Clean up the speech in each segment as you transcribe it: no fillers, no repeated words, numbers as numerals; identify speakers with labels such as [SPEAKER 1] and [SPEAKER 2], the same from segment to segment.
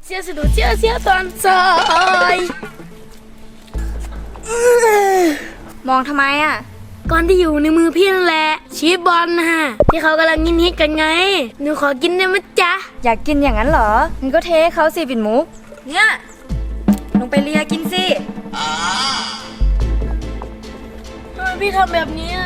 [SPEAKER 1] เสียสะดุดเสียตอนซอย
[SPEAKER 2] มองทำไมอ่ะ
[SPEAKER 1] ก่อนที่อยู่ในมือพี่นั่นแหละชีสบอลนะฮะที่เขากำลังฮิตกันไงหนูขอกินได้ไหมจ๊ะ
[SPEAKER 2] อยากกินอย่างนั้นเหรองั้นก็เทให้เขาสิปิ่นมุกเนี่ยลงไปเลียกินสิ
[SPEAKER 1] ทำไมพี่ทำแบบนี้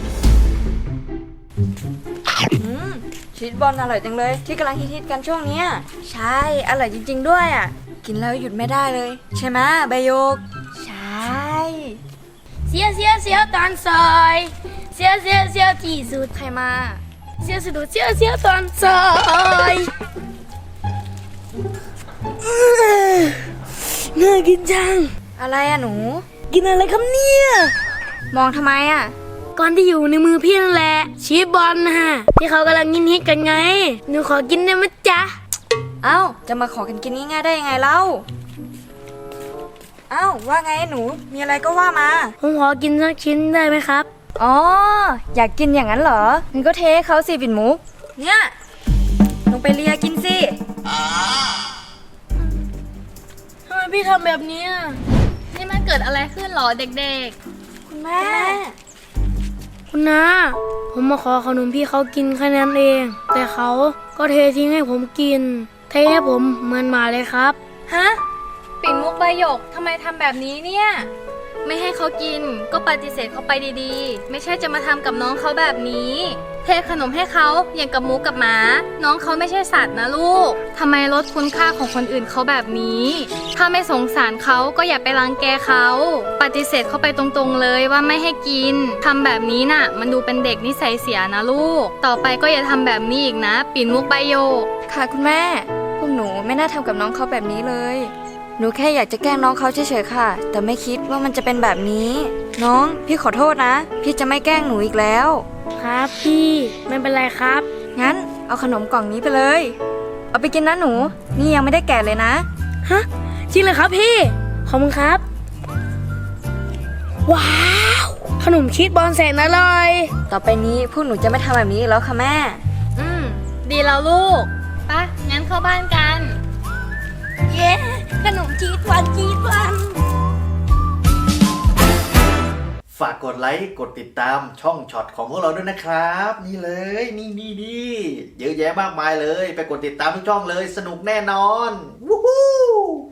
[SPEAKER 2] ชีสบอลอร่อยจังเลยที่กำลังฮิตกันช่วงนี้ใช่อร่อยจริงๆด้วยอ่ะกินแล้วหยุดไม่ได้เลยใช่ไหมใบโยกใช่
[SPEAKER 1] เสียตอนซอยเสียที่สุด
[SPEAKER 2] ใครมา
[SPEAKER 1] เสียสะดุดเสียตอนซอยน่ากินจัง
[SPEAKER 2] อะไรอ่ะหนู
[SPEAKER 1] กินอะไรครับเนี่ย
[SPEAKER 2] มองทำไมอ่ะ
[SPEAKER 1] ก่อนที่อยู่ในมือพี่นั่นแหละชีสบอลนะฮะที่เขากำลังฮิตกันไงหนูขอกินได้ไหมจ๊ะ
[SPEAKER 2] เอ้าจะมาขอกันกินง่ายๆได้ยังไงเล่าเอ้าว่าไงหนูมีอะไรก็ว่ามา
[SPEAKER 1] ผมขอกินสักชิ้นได้ไหมครับ
[SPEAKER 2] อ๋ออยากกินอย่างนั้นเหรองั้นก็เทให้เขาสิปิ่นมุกเนี่ยลงไปเลียกินสิ
[SPEAKER 1] ทำไมพี่ทำแบบนี้
[SPEAKER 3] นี่มันเกิดอะไรขึ้นหรอเด็ก
[SPEAKER 2] ๆคุณแม่
[SPEAKER 1] คุณน้าผมมาขอขนมพี่เขากินแค่นั้นเองแต่เขาก็เททิ้งให้ผมกินเทให้ผมเหมือนหมาเลยครับ
[SPEAKER 3] ฮะปิ่นมุกใบหยกทำไมทำแบบนี้เนี่ยไม่ให้เขากินก็ปฏิเสธเขาไปดีๆไม่ใช่จะมาทำกับน้องเขาแบบนี้เทขนมให้เขาอย่างกับหมูกับหมาน้องเขาไม่ใช่สัตว์นะลูกทำไมลดคุณค่าของคนอื่นเขาแบบนี้ถ้าไม่สงสารเขาก็อย่าไปรังแกเขาปฏิเสธเขาไปตรงๆเลยว่าไม่ให้กินทำแบบนี้น่ะมันดูเป็นเด็กนิสัยเสียนะลูกต่อไปก็อย่าทำแบบนี้อีกนะปิ่นมุกใบโยก
[SPEAKER 2] ค่ะคุณแม่พวกหนูไม่น่าทำกับน้องเขาแบบนี้เลยหนูแค่อยากจะแกล้งน้องเขาเฉยๆค่ะแต่ไม่คิดว่ามันจะเป็นแบบนี้น้องพี่ขอโทษนะพี่จะไม่แกล้งหนูอีกแล้ว
[SPEAKER 1] ครับพี่ไม่เป็นไรครับ
[SPEAKER 2] งั้นเอาขนมกล่องนี้ไปเลยเอาไปกินนะหนูนี่ยังไม่ได้แกะเลยนะ
[SPEAKER 1] ฮะจริงเลยครับพี่ขอบคุณครับว้าวขนมชีสบอลแสนอร่อย
[SPEAKER 2] ต่อไปนี้พวกหนูจะไม่ทำแบบนี้แล้วค่ะแม่
[SPEAKER 3] ดีแล้วลูกปะงั้นเข้าบ้านกัน
[SPEAKER 1] เย้ขนมชีสวัน
[SPEAKER 4] ฝากกดไลค์กดติดตามช่องช็อตของพวกเราด้วยนะครับนี่เลยนี่เยอะแยะมากมายเลยไปกดติดตามทุกช่องเลยสนุกแน่นอนวู้ฮู้